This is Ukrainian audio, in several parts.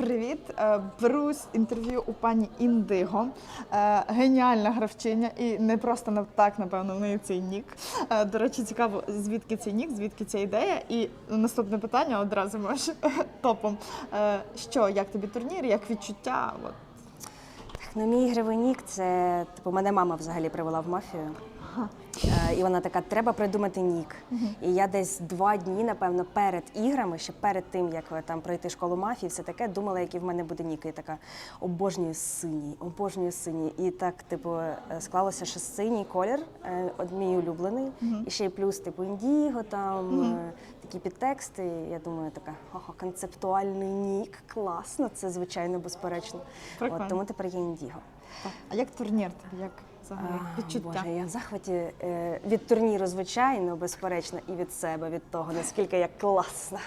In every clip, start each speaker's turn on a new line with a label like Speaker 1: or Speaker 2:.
Speaker 1: Привіт! Беру інтерв'ю у пані Індиго. Геніальна гравчиня і не просто так, напевно, в неї цей нік. До речі, цікаво, звідки цей нік, звідки ця ідея. І наступне питання одразу можеш топом. Як тобі турнір, як відчуття?
Speaker 2: Ну, мій ігровий нік – це, мене мама взагалі привела в мафію. І вона така, треба придумати нік. І я десь 2 дні, напевно, перед іграми, ще перед тим, як там пройти школу мафії, все таке, думала, який в мене буде нік. І така, обожнюю синій, обожнюю синій. І так, склалося, що синій колір, мій улюблений. І ще й плюс, індіго, там, такі підтексти. Я думаю, така, концептуальний нік, класно, це, звичайно, безперечно. Тому тепер є індіго.
Speaker 1: А як турнір тобі? Як відчуття?
Speaker 2: Боже, я в захваті від турніру, звичайно, безперечно, і від себе, від того, наскільки я класна.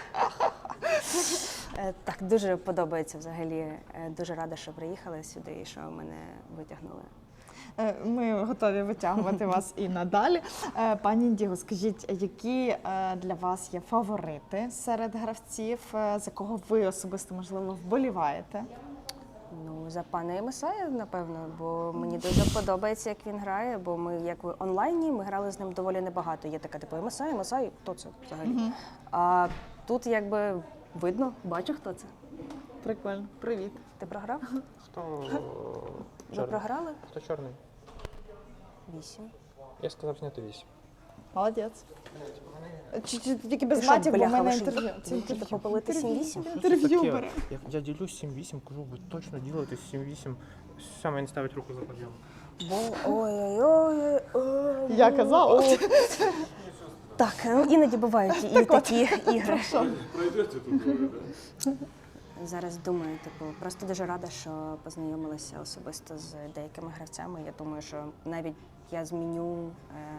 Speaker 2: Так, дуже подобається взагалі. Дуже рада, що приїхали сюди і що мене витягнули.
Speaker 1: Ми готові витягувати вас і надалі. Пані Індіго, скажіть, які для вас є фаворити серед гравців, за кого ви особисто, можливо, вболіваєте?
Speaker 2: Ну, за пана Ємесая, напевно, бо мені дуже подобається, як він грає, бо ми, як в онлайні, ми грали з ним доволі небагато. Є така, Ємесай, хто це взагалі? А тут, видно, бачу, хто це.
Speaker 1: Прикольно. Привіт.
Speaker 2: Ти програв?
Speaker 3: Хто
Speaker 2: Ви програли?
Speaker 3: Хто чорний?
Speaker 2: 8.
Speaker 3: Я сказав зняти 8.
Speaker 1: Молодець. Тільки без матів, бо в мене інтерв'ю.
Speaker 2: Ти попалити 7-8?
Speaker 1: Інтерв'ю бере.
Speaker 3: Я ділюсь 7-8, кажу, ви точно робите 7-8. Саме не ставить руку за подйом.
Speaker 2: Ой-ой-ой.
Speaker 1: Я казала.
Speaker 2: Так, іноді бувають і такі ігри. Зараз думаю, просто дуже рада, що познайомилася особисто з деякими гравцями. Я думаю, що навіть я зміню,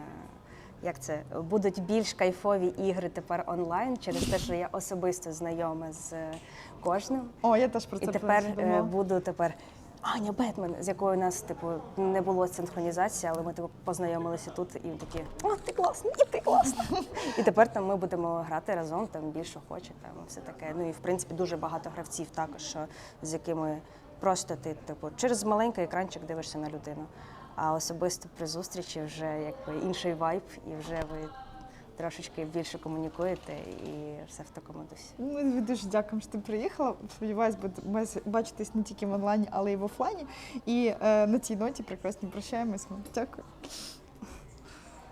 Speaker 2: будуть більш кайфові ігри тепер онлайн, через те, що я особисто знайома з кожним.
Speaker 1: О, я теж про це
Speaker 2: подумала. І тепер буду Аня Бетмен, з якою у нас не було синхронізації, але ми познайомилися тут і такі, о, ти класна, і ти класна. І тепер ми будемо грати разом, більш охоче, все таке. Ну і в принципі дуже багато гравців також, з якими просто ти через маленький екранчик дивишся на людину. А особисто при зустрічі вже інший вайб, і вже ви трошечки більше комунікуєте і все в такому дусі.
Speaker 1: Ми дуже дякуємо, що ти приїхала. Сподіваюсь, будемо бачитись не тільки в онлайні, але й в офлайні. І на цій ноті прекрасно прощаємось. Дякую.